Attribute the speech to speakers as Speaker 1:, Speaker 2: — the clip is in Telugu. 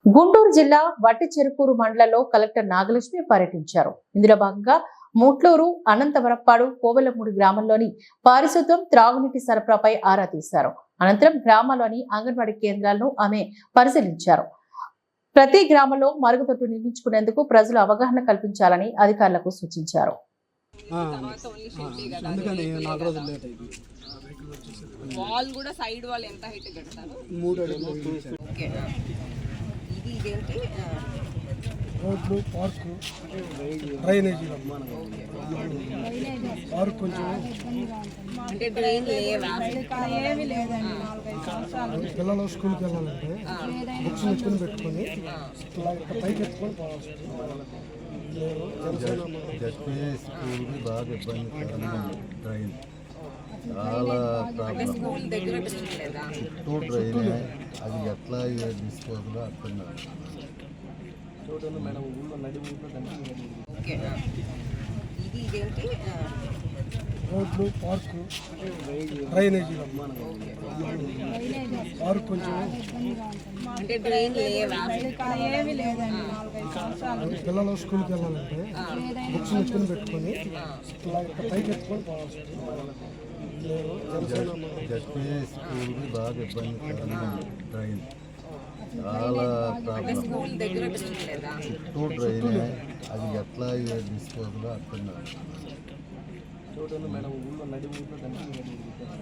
Speaker 1: గుంటూరు జిల్లా వట్టిచెరుకూరు మండలంలో కలెక్టర్ నాగలక్ష్మి పర్యటించారు. ఇందులో భాగంగా ముట్లూరు, అనంతవరప్పాడు, కోవెలమూడి గ్రామంలోని పారిశుద్ధ్యం, త్రాగునీటి సరఫరాపై ఆరా తీశారు. అనంతరం గ్రామాల్లోని అంగన్వాడీ కేంద్రాలను ఆమె పరిశీలించారు. ప్రతి గ్రామంలో మరుగుదొడ్డు నిర్మించుకునేందుకు ప్రజలు అవగాహన కల్పించాలని అధికారులకు సూచించారు.
Speaker 2: వాల్ కూడా సైడ్ వాల్ ఎంత హైట్ కడతారు?
Speaker 3: 3 అడుగులు.
Speaker 2: ఇది ఇదేంటి
Speaker 3: రోడ్లు, పార్కు, డ్రైనేజీ పార్క్ కొంచెం
Speaker 2: అంటే డ్రైన్ లేవా?
Speaker 4: ఏమీ లేదండి. 4-5 సంవత్సరాలు
Speaker 3: పిల్లలు స్కూల్కి వెళ్ళాలంటే బుక్స్ ఎత్తుకుని పెట్టుకొని ఇలా పైకి ఎత్తుకొని పోవాలి.
Speaker 5: స్కూల్కి బాగా ఇబ్బంది. డ్రైన్ చాలా ప్రాబ్లం.
Speaker 2: స్కూల్ దగ్గర పెట్టలేదా?
Speaker 5: చుట్టూ డ్రైనే, అది ఎట్లా డిస్పోజల్ అర్థం కాదు.
Speaker 2: ఓకే. ఇది ఇదేంటి
Speaker 3: రోడ్లు, పార్కు, డ్రైనేజీ పార్క్ కొంచెం
Speaker 2: అంటే డ్రైన్ లేవా?
Speaker 4: ఏమీ లేదండి. 4-5 సంవత్సరాలు
Speaker 3: పిల్లలు స్కూల్కి వెళ్ళాలంటే బుక్స్ ఎత్తుకుని పెట్టుకొని ఇలా పైకి ఎత్తుకొని పోవాలి.
Speaker 5: స్కూల్కి బాగా ఇబ్బంది. డ్రైన్ చాలా ప్రాబ్లం.
Speaker 2: స్కూల్ దగ్గర పెట్టలేదా?
Speaker 5: చుట్టూ డ్రైనే, అది ఎట్లా డిస్పోజల్ అర్థం కాదు.